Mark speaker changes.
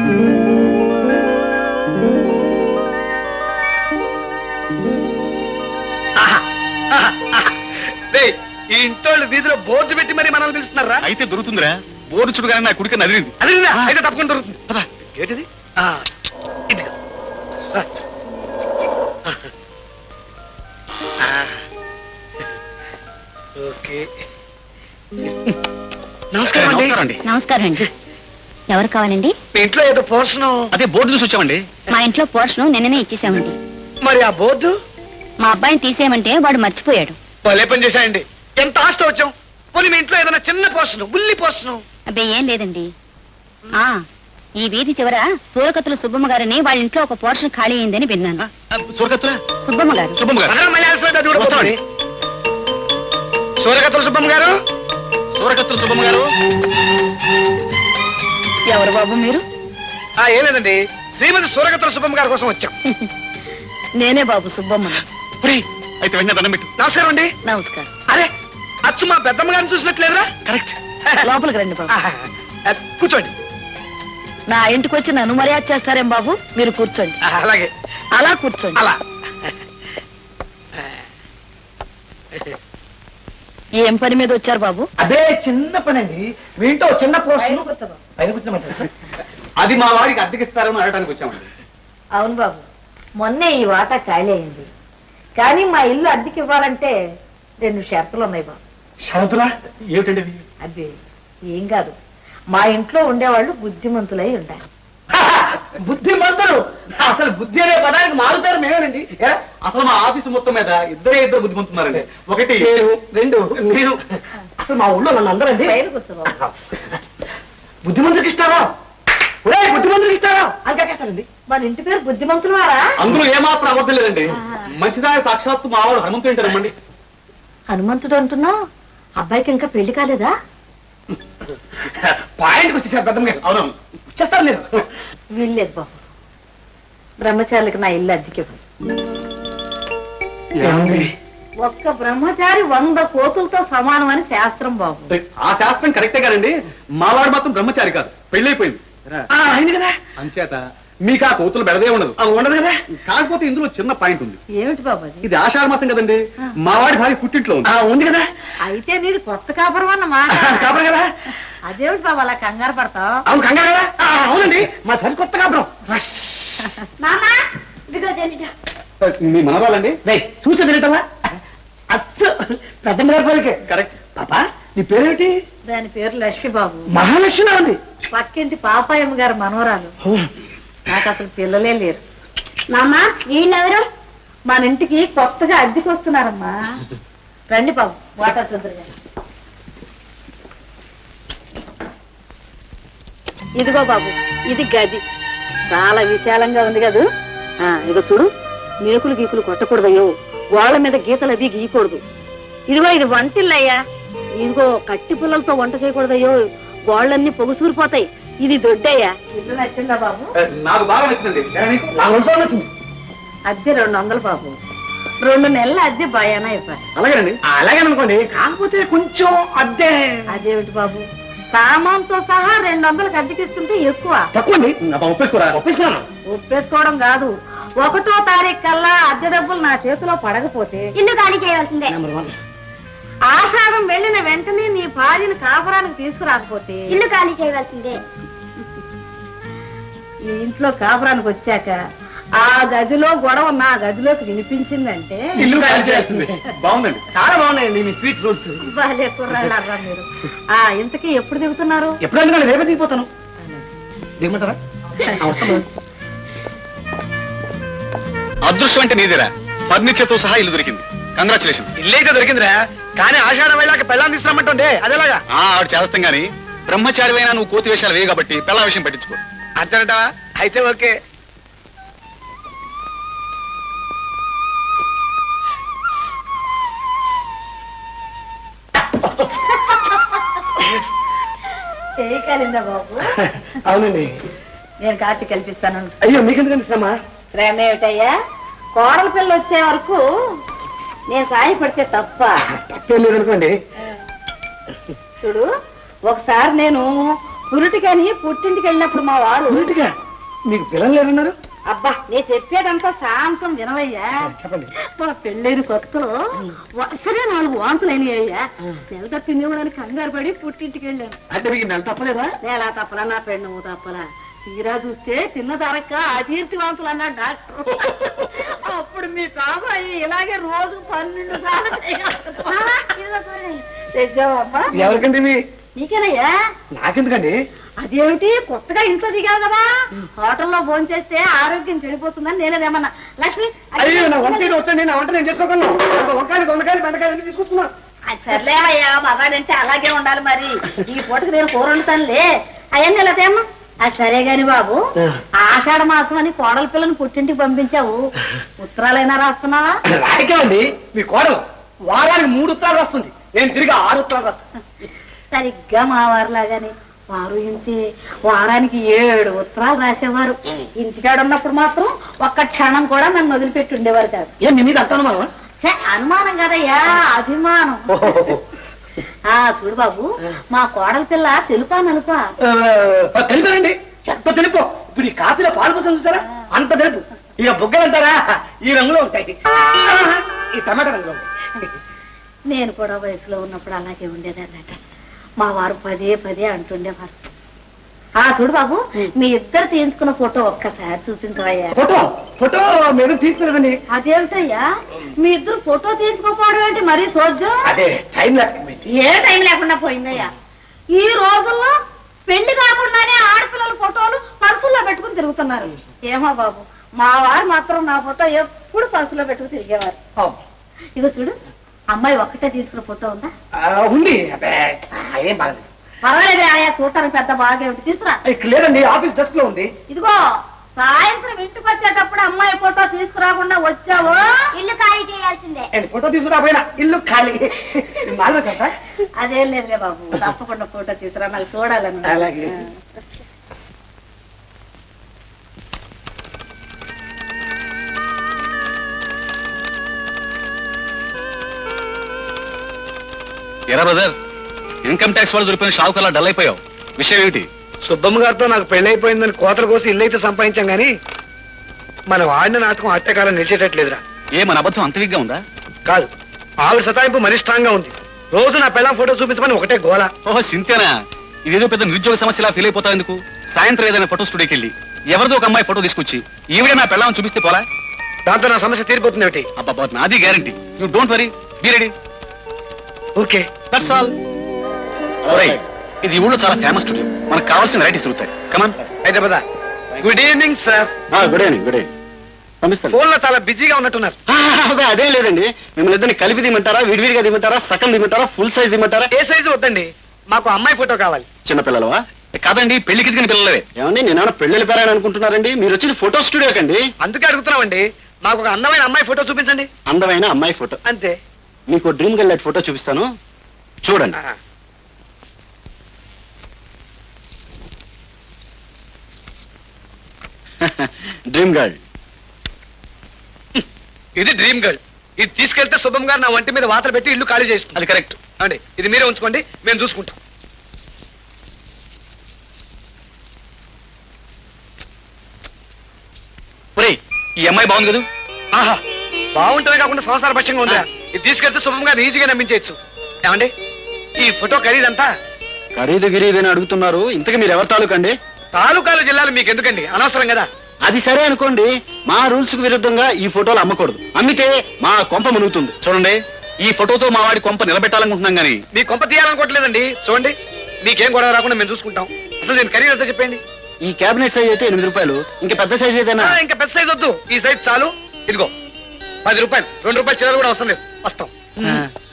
Speaker 1: ఈ ఇంట్లో వీధిలో బోర్డు పెట్టి మరి మనల్ని పిలుస్తున్నారా?
Speaker 2: అయితే దొరుకుతుందిరా. బోర్డు చుడుగానే నా కుడికి నదిలింది.
Speaker 1: అదిరిందా? అయితే తప్పకుండా దొరుకుతుంది. ఏంటిది? ఓకే. నమస్కారం అండి.
Speaker 3: నమస్కారం అండి. ఎవరు కావాలండి?
Speaker 1: మీ ఇంట్లో ఏదో పోర్షను.
Speaker 2: అదే బోర్డు చూసి వచ్చామండి.
Speaker 3: మా ఇంట్లో పోర్షను నిన్ననే ఇచ్చేసామండి.
Speaker 1: మరి ఆ బోర్డు
Speaker 3: మా అబ్బాయిని తీసేయమంటే వాడు మర్చిపోయాడు.
Speaker 1: భలే పని చేశాయండి. ఎంత ఆస్తి వచ్చాం. పోనీ మీ ఇంట్లో ఏదైనా చిన్న పోర్షను, బుల్లి పోర్షను.
Speaker 3: అబ్బే ఏం లేదండి. ఈ వీధి చివర సూరకత్తుల సుబ్బమ్మ గారిని వాళ్ళ ఇంట్లో ఒక పోర్షన్ ఖాళీ అయిందని విన్నాను.
Speaker 2: సూరకత్తుల
Speaker 3: సుబ్బమ్మ గారు.
Speaker 2: సుబ్బమ్మ గారు.
Speaker 1: సూరకత్తుల సుబ్బమ్మ గారు.
Speaker 2: సూరకత్తుల సుబ్బమ్మ గారు.
Speaker 3: ఎవరు బాబు మీరు?
Speaker 1: ఏం లేదండి, శ్రీమతి సూరకత్తుల సుబ్బమ్మ గారి కోసం వచ్చాం.
Speaker 3: నేనే బాబు సుబ్బమ్మ.
Speaker 2: అయితే వెంటనే దండం పెట్టు.
Speaker 1: నమస్కారం అండి.
Speaker 3: నమస్కారం.
Speaker 1: అరే అచ్చు మా పెద్దమ్మ గారిని చూసినట్లేదురా?
Speaker 2: కరెక్ట్.
Speaker 3: లోపలికి రండి బాబు.
Speaker 1: కూర్చోండి.
Speaker 3: నా ఇంటికి వచ్చి నన్ను మర్యాద చేస్తారేం బాబు? మీరు కూర్చోండి.
Speaker 1: అలాగే.
Speaker 3: అలా కూర్చోండి.
Speaker 1: అలా.
Speaker 3: ఏం పని మీద వచ్చారు బాబు?
Speaker 1: అదే చిన్న పని అండి. మీ ఇంట్లో చిన్న పోర్షన్. పైన కూర్చోమంటారు.
Speaker 2: అది మా వాడికి అద్దెకిస్తారని అడగడానికి వచ్చామండి.
Speaker 4: అవును బాబు, మొన్నే ఈ వాటా ఖాళీ అయింది. కానీ మా ఇల్లు అద్దెకి ఇవ్వాలంటే 2 షరతులు ఉన్నాయి బాబు.
Speaker 1: షరతులా? ఏమిటండి?
Speaker 4: అదే ఏం కాదు, మా ఇంట్లో ఉండేవాళ్ళు బుద్ధిమంతులై ఉండాలి.
Speaker 1: బుద్ధిమంతులు? అసలు బుద్ధి అనే పదానికి మారుతారు మేమేనండి.
Speaker 2: అసలు మా ఆఫీసు మొత్తం మీద ఇద్దరు బుద్ధిమంటున్నారండి. ఒకటి
Speaker 1: రెండు నేను. అసలు మా ఊళ్ళో నన్ను అందరండి
Speaker 4: పైన కూర్చో బాబు.
Speaker 1: బుద్ధిమంతుడికి ఇస్తారా? బుద్ధిమంతుడికి ఇస్తారా అని కాకేస్తానండి.
Speaker 4: మన ఇంటి పేరు బుద్ధిమంతులు వారా?
Speaker 2: అందులో ఏమాత్రం అబద్ధం లేదండి. మంచిదాయ సాక్షాత్తు మా వాడు హనుమంతుడు ఏంటారమ్మండి.
Speaker 4: హనుమంతుడు అంటున్నావు? అబ్బాయికి ఇంకా పెళ్లి కాలేదా?
Speaker 1: పాయింట్కి వచ్చేసారు పెద్దమ్మ గారు.
Speaker 2: అవునవును,
Speaker 1: చేస్తారు నేను.
Speaker 4: వీల్లేదు బాబు, బ్రహ్మచారులకు నా ఇల్లు అద్దెకి ఒక్క బ్రహ్మచారి 100 కోతులతో సమానం అని శాస్త్రం బాబు.
Speaker 2: ఆ శాస్త్రం కరెక్టే కాదండి. మావాడు మాత్రం బ్రహ్మచారి కాదు, పెళ్ళైపోయింది.
Speaker 1: అయింది కదా.
Speaker 2: అంచేత మీకు ఆ కోతులు బెడదే ఉండదు.
Speaker 1: ఉండదు కదా.
Speaker 2: కాకపోతే ఇందులో చిన్న పాయింట్ ఉంది.
Speaker 4: ఏమిటి బాబు అది?
Speaker 2: ఇది ఆషాఢ మాసం కదండి. మావాడి భార్య పుట్టింట్లో ఉంది.
Speaker 1: ఉంది కదా.
Speaker 4: అయితే నీది కొత్త కాపురం అన్నమాట.
Speaker 1: కాపురం కదా.
Speaker 4: అదేమిటి బాబు అలా కంగారు పడతావు?
Speaker 1: అవును కంగారు కదా. అవునండి, మా తల్లి కొత్త కాపురం.
Speaker 2: మీ మనవాళ్ళండి
Speaker 1: చూసా తినటల్లా అచ్చు పెద్దమ్మ గారి పలికే.
Speaker 2: కరెక్ట్.
Speaker 1: పాపా నీ పేరేమిటి?
Speaker 4: దాని పేరు లక్ష్మి బాబు.
Speaker 1: మహాలక్ష్మి ఉంది.
Speaker 4: పక్కింటి పాపాయమ్మ గారు మనవరాలు. నాకు అసలు పిల్లలే లేరు.
Speaker 3: నాన్న వీళ్ళెవరు?
Speaker 4: మన ఇంటికి కొత్తగా అద్దెకి వస్తున్నారమ్మా. రండి బాబు, వాటర్ చూద్దరు గారు. ఇదిగో బాబు, ఇది గది. చాలా విశాలంగా ఉంది కదూ. ఇదిగో చూడు, మేకులు గీకులు కొట్టకూడదయ్యో, గోళ్ల మీద గీతలు అది గీయకూడదు. ఇదిగో ఇది వంటిల్లయ్యా. ఇదిగో కట్టి పుల్లలతో వంట చేయకూడదయ్యో, గోళ్ళన్నీ పొగుసూరిపోతాయి. ఇది దొడ్డయ్యా. ఇల్లు నచ్చిందా బాబు?
Speaker 2: నాకు బాగా నచ్చిందండి.
Speaker 1: నచ్చింది.
Speaker 4: అద్దె 200 బాబు. 2 నెలల అద్దె భయానా ఇవ్వాలి.
Speaker 2: అలాగేనండి.
Speaker 1: అలాగేననుకోండి, కాకపోతే కొంచెం అద్దె.
Speaker 4: అదేమిటి బాబు, సామాన్తో సహా 200కి అద్దెకిస్తుంటే ఎక్కువ.
Speaker 1: తక్కువండి.
Speaker 2: ఒప్పేసుకోరా?
Speaker 1: ఒప్పిస్తున్నాను.
Speaker 4: ఒప్పేసుకోవడం కాదు, 1వ తారీఖు కల్లా అద్దె డబ్బులు నా చేతిలో పడకపోతే
Speaker 3: ఇల్లు ఖాళీ చేయవలసిందే.
Speaker 1: నెంబర్ 1.
Speaker 4: ఆషాఢం వెళ్ళిన వెంటనే నీ భార్యను కాపురానికి తీసుకురాకపోతే
Speaker 3: ఇల్లు ఖాళీ చేయవలసిందే.
Speaker 4: ఈ ఇంట్లో కాపురానికి వచ్చాక ఆ గదిలో గొడవ నా గదిలోకి వినిపించిందంటే
Speaker 2: ఇల్లు ఖాళీ చేయాల్సిందే. బాగుందండి,
Speaker 1: చాలా బాగున్నాయండి మీ స్వీట్ రూల్స్.
Speaker 4: బాలే కుర్రాళ్ళరా మీరు. ఇంతకీ ఎప్పుడు దిగుతున్నారు?
Speaker 1: ఎప్పుడు ఎందుకంటే రేపే దిగిపోతాను. దిగమంటారా?
Speaker 2: అదృష్టం అంటే నీదేరా. ఫర్నిచర్ తో సహా ఇల్లు దొరికింది. కంగ్రాచులేషన్స్.
Speaker 1: ఇల్లైతే దొరికిందిరా, కానీ ఆషాఢం వెళ్ళాక పెళ్ళాన్ని తీసుకురమ్మంటుండే అదేలాగా.
Speaker 2: ఆవిడ చేస్తాం గాని బ్రహ్మచారివైనా నువ్వు కోతి వేషాలు వేయ కాబట్టి పెళ్ళ విషయం పట్టించుకో.
Speaker 1: అంతేనట. అయితే ఓకే.
Speaker 4: చేయగలిందా బాబు?
Speaker 1: అవునండి.
Speaker 4: నేను కాఫీ కల్పిస్తాను.
Speaker 1: అయ్యో మీకెందుకండి శ్రమ?
Speaker 4: ప్రేమ ఏమిటయ్యా, కోడల పిల్ల వచ్చే వరకు నేను సాయపడితే తప్ప?
Speaker 1: తప్పేం లేదనుకోండి.
Speaker 4: చూడు, ఒకసారి నేను పురుటికని పుట్టింటికి వెళ్ళినప్పుడు మా వారు
Speaker 1: ఊరిటిగా మీకు పిల్లలు లేరన్నారు?
Speaker 4: అబ్బా నేను చెప్పేదంతా శాంతం వినవయ్యా.
Speaker 1: చెప్పండి.
Speaker 4: మా పెళ్ళైన కొత్తలో సరే 4 వాంతులు అయినాయ్యా. నెల తప్పిందేమోనని కంగారు పడి పుట్టింటికి వెళ్ళాను.
Speaker 1: అంటే మీకు నెల తప్పలేదా?
Speaker 4: నేలా తప్పలా నా పెళ్ళ నువ్వు తప్పలా. తీరా చూస్తే తిన్న ధరక్క అతీర్తి వాంతులు అన్నాడు డాక్టర్. అప్పుడు మీ బాబాయి ఇలాగే రోజు 12 సార్లు తెచ్చావబ్బా.
Speaker 1: ఎవరికండి ఇవి?
Speaker 4: నీకేనయ్యా.
Speaker 1: నాకెందుకండి?
Speaker 4: అదేమిటి కొత్తగా ఇంట్లో దిగావు కదా, హోటల్లో భోజనం చేస్తే ఆరోగ్యం చెడిపోతుందని నేనేదేమన్నా. లక్ష్మి
Speaker 1: అయ్యో నా వంట వచ్చండి, నా వంట నేను చేసుకోగలను. వంకాయలు దొండకాయలు బెండకాయలు అన్ని తీసుకొస్తున్నా.
Speaker 4: సర్లేవయ్యా, మగాడంటే అలాగే ఉండాలి మరి. ఈ పూటకి నేను కూర వండుతానులే. అవన్నీ ఇలాతేమ్మా. అది సరే గాని బాబు, ఆషాఢ మాసం అని కోడల పిల్లని పుట్టింటికి పంపించావు, ఉత్తరాలైనా రాస్తున్నావా?
Speaker 1: రాయకేమండి, మీ కోడలు వారానికి 3 ఉత్తరాలు వస్తుంది, నేను తిరిగి 6 ఉత్తరాలు రాస్తాను.
Speaker 4: సరిగ్గా మా వారిలాగానే వారు ఇంతే వారానికి 7 ఉత్తరాలు రాసేవారు. ఇంటికాడ ఉన్నప్పుడు మాత్రం ఒక్క క్షణం కూడా నన్ను వదిలిపెట్టి ఉండేవారు కాదు.
Speaker 1: ఏం మీ మీద అంత అనుమానమా?
Speaker 4: అనుమానం కదయ్యా, అభిమానం. చూడు బాబు, మా కోడల పిల్ల తెలుపా నలుపా?
Speaker 1: తెలిపానండి, ఎంత తెలుపు. ఇప్పుడు ఈ కాఫీలో పాలు పోసం చూసారా, అంత తెలుపు. ఇక బుగ్గలు అంటారా, ఈ రంగులో ఉంటాయి, ఈ టమాటా రంగులో ఉంటాయి.
Speaker 4: నేను కూడా వయసులో ఉన్నప్పుడు అలాగే ఉండేదన్నట. మా వారు పదే అంటుండేవారు. చూడు బాబు, మీ ఇద్దరు తీయించుకున్న ఫోటో ఒక్కసారి చూపించవయ్యా.
Speaker 1: ఫోటో ఫోటో మీరు తీసుకున్నారండి.
Speaker 4: అదేమిటయ్యా, మీ ఇద్దరు ఫోటో తీయించుకోపోవడం ఏంటి మరీ సోజ్యం?
Speaker 1: అదే టైం లేకపోయింది.
Speaker 4: ఏ టైం లేకుండా పోయిందయ్యా. ఈ రోజుల్లో పెళ్లి కాకుండానే ఆడపిల్లల ఫోటోలు పర్సుల్లో పెట్టుకుని తిరుగుతున్నారు. ఏమో బాబు, మా వారు మాత్రం నా ఫోటో ఎప్పుడు పర్సులో పెట్టుకుని తిరిగేవారు. ఇగో చూడు, అమ్మాయి ఒక్కటే తీసుకున్న ఫోటో ఉందా?
Speaker 1: ఉంది. ఏం బాగలేదు.
Speaker 4: పర్వాలేదు ఆయా, చూడటానికి పెద్ద బాగా తీసుకురా.
Speaker 1: లేదండి, ఆఫీస్ డెస్క్ లో ఉంది.
Speaker 4: ఇదిగో సాయంత్రం ఇంటికి వచ్చేటప్పుడు అమ్మాయి ఫోటో తీసుకురాకుండా వచ్చావు, ఇల్లు ఖాళీ చేయాల్సిందే.
Speaker 1: ఫోటో తీసుకురాపోయినా ఇల్లు ఖాళీ.
Speaker 4: అదేం లేదులే బాబు, తప్పకుండా ఫోటో తీసుకురా, నాకు చూడాలని.
Speaker 1: అలాగే.
Speaker 2: ఎరా బ్రదర్, ఇన్కమ్ ట్యాక్స్ వాళ్ళు దొరికిన షావుకల్లా డల్ అయిపోయావు. విషయం ఏమిటి?
Speaker 1: సుబ్బమ్మ గారితో నాకు పెళ్ళైపోయిందని కోతల కోసం ఇల్లు అయితే సంపాదించాం గానీ మనం ఆడిన నాటకం అట్టకాలం నిలిచేటట్లేదురా.
Speaker 2: మన అబద్ధం అంత విగ్గా ఉందా?
Speaker 1: కాదు, ఆవిడ సతాయింపు మరీ స్ట్రాంగ్ గా ఉంది. రోజు నా పిల్లం ఫోటో చూపించమని ఒకటే గోల.
Speaker 2: ఓహో సింతేనా? ఇదేదో పెద్ద నిరుద్యోగ సమస్యలా ఫీల్ అయిపోతావు ఎందుకు? సాయంత్రం ఏదైనా ఫోటో స్టూడియోకి వెళ్ళి ఎవరిదో ఒక అమ్మాయి ఫోటో తీసుకొచ్చి ఈవిడే నా పిల్లని చూపిస్తే పోలా?
Speaker 1: దాంతో నా సమస్య తీరిపోతుంది. ఏమిటి?
Speaker 2: అబ్బా, నాది guarantee. You don't worry, be ready.
Speaker 1: Okay,
Speaker 2: that's all. ఇది ఊళ్ళో చాలా ఫేమస్ స్టూడియో, మనకు కావాల్సిన వెరైటీస్ దొరుకుతాయి. Come on.
Speaker 1: Hyderabad. Good evening sir.
Speaker 2: Good evening. Good evening. పంపిస్తాను.
Speaker 1: ఫోన్ లో చాలా బిజీగా ఉన్నట్టున్నారు.
Speaker 2: అదే లేదండి, మిమ్మల్ని ఇద్దరిని కలిపి దిమ్మంటారా, విడివిడిగా దిమ్మంటారా, సగం దిమ్మంటారా, ఫుల్ సైజ్ దిమ్మంటారా?
Speaker 1: ఏ సైజు వద్దండి, మాకు అమ్మాయి ఫోటో కావాలి.
Speaker 2: చిన్నపిల్లలవా? కాదండి, పెళ్లికి దిగిన పిల్లలవే. ఏమండి, నేనేమన్నా పెళ్లి పేరని అనుకుంటున్నారండి? మీరు వచ్చేది ఫోటో స్టూడియో కండి.
Speaker 1: అందుకే అడుగుతున్నామండి, మాకు ఒక అందమైన అమ్మాయి ఫోటో చూపించండి.
Speaker 2: అందమైన అమ్మాయి ఫోటో
Speaker 1: అంతే.
Speaker 2: మీకు డ్రీమ్ గర్ల్ ఫోటో చూపిస్తాను, చూడండి. Dream girl.
Speaker 1: ఇది డ్రీమ్ గర్ల్. ఇది తీసుకెళ్తే శుభం గారు నా వంటి మీద వాతలు పెట్టి ఇల్లు ఖాళీ చేస్తుంది.
Speaker 2: అది కరెక్ట్
Speaker 1: అండి, ఇది మీరే ఉంచుకోండి, మేము చూసుకుంటాం.
Speaker 2: ఈ అమ్మాయి బాగుంది కదా?
Speaker 1: ఆహా, బాగుంటమే కాకుండా సంసార పక్షంగా ఉందా? ఇది తీసుకెళ్తే శుభం గారు ఈజీగా నమ్మించవచ్చు. ఏమండి, ఈ ఫోటో ఖరీదంతా?
Speaker 2: ఖరీదు గిరీదని అడుగుతున్నారు. ఇంతకు మీరు ఎవరి తాలూకండి?
Speaker 1: తాలూకాలు జిల్లాలు మీకు ఎందుకండి, అనవసరం కదా.
Speaker 2: అది సరే అనుకోండి, మా రూల్స్ కు విరుద్ధంగా ఈ ఫోటోలు అమ్మకూడదు. అమ్మితే మా కొంప మునుగుతుంది. చూడండి, ఈ ఫోటోతో మా వాడి కొంప నిలబెట్టాలనుకుంటున్నాం గానీ
Speaker 1: మీ కొంప తీయాలనుకోవట్లేదండి. చూడండి, మీకేం గొడవ రాకుండా మేము చూసుకుంటాం. అసలు నేను ఖరీదు ఎంత చెప్పండి?
Speaker 2: ఈ క్యాబినెట్ సైజ్ అయితే 8 రూపాయలు. ఇంకా పెద్ద సైజ్ ఏదైనా?
Speaker 1: ఇంకా పెద్ద సైజ్ వద్దు, ఈ సైజ్ చాలు. ఇదిగో 10 రూపాయలు, 2 రూపాయలు చిల్లర కూడా అవసరం లేదు. వస్తాం.